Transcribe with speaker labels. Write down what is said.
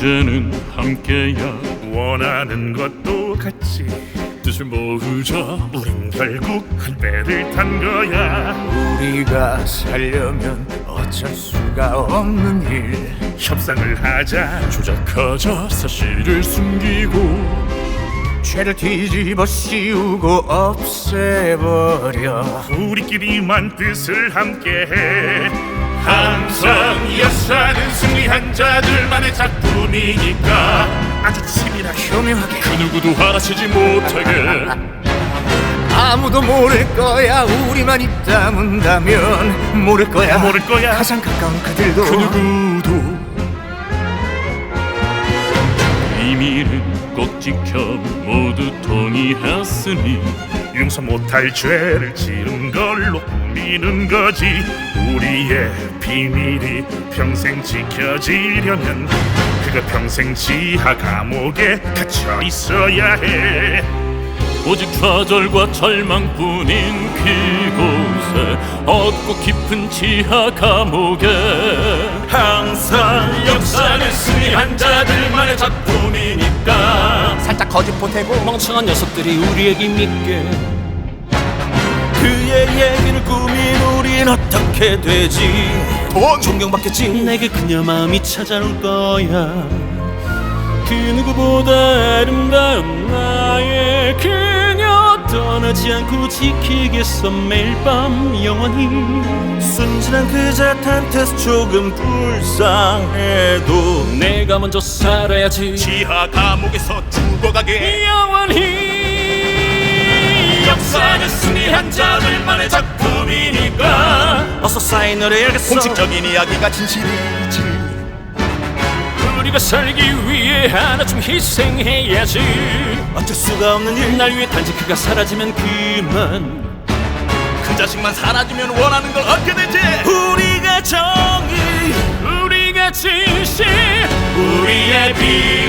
Speaker 1: 이제는 함께야.
Speaker 2: 원하는 것도 같이
Speaker 1: 뜻을 모으자.
Speaker 2: 우린 결국 한 배를 탄 거야.
Speaker 3: 우리가 살려면 어쩔 수가 없는 일.
Speaker 2: 협상을 하자,
Speaker 1: 조작하자. 사실을 숨기고
Speaker 3: 죄를 뒤집어 씌우고 없애버려.
Speaker 2: 우리끼리만 뜻을 함께해. 항상 역사는 승리한 자들만의 작품이니까 아주 치밀하게
Speaker 3: 교묘하게
Speaker 1: 그 누구도 알아채지 못하게.
Speaker 3: 아무도 모를 거야. 우리만 입 다문다면 모를 거야.
Speaker 2: 모를 거야.
Speaker 3: 가장 가까운 그들도
Speaker 1: 그 누구도 비밀은 꼭 지켜 모두 동의했으니
Speaker 2: 용서 못할 죄를 지은 걸로 꾸미는 거지. 우리의 비밀이 평생 지켜지려면 그가 평생 지하 감옥에 갇혀 있어야 해.
Speaker 1: 오직 좌절과 절망뿐인 그곳에 어둡고 깊은 지하 감옥에.
Speaker 2: 항상 역사는 승리한 자들만의 작품이니까
Speaker 3: 살짝 거짓 보태고
Speaker 4: 멍청한 녀석들이 우리에게 믿게.
Speaker 5: 그의 얘기를 꾸민 우린 어떻게 되지?
Speaker 3: 돈
Speaker 5: 존경받겠지?
Speaker 4: 내게 그녀 마음이 찾아올 거야. 그 누구보다 아름다운 나의 그녀 떠나지 않고 지키겠어 매일 밤 영원히.
Speaker 5: 순진한 그 자탄테스 조금 불쌍해도
Speaker 4: 내가 먼저 살아야지
Speaker 5: 지하 감옥에서 죽어가게.
Speaker 4: 영원히.
Speaker 5: 역사는 승리한 자들만의 작품이니까 어서 사인을 해야겠어. 공식적인 이야기가 진실이지.
Speaker 4: 우리가 살기 위해 하나쯤 희생해야지.
Speaker 5: 어쩔 수가 없는 일.
Speaker 4: 날 위해 단지 그가 사라지면 그만.
Speaker 5: 그 자식만 사라지면 원하는 걸 얻게 되지. 우리가 정의,
Speaker 4: 우리가 진실,
Speaker 5: 우리의 빛.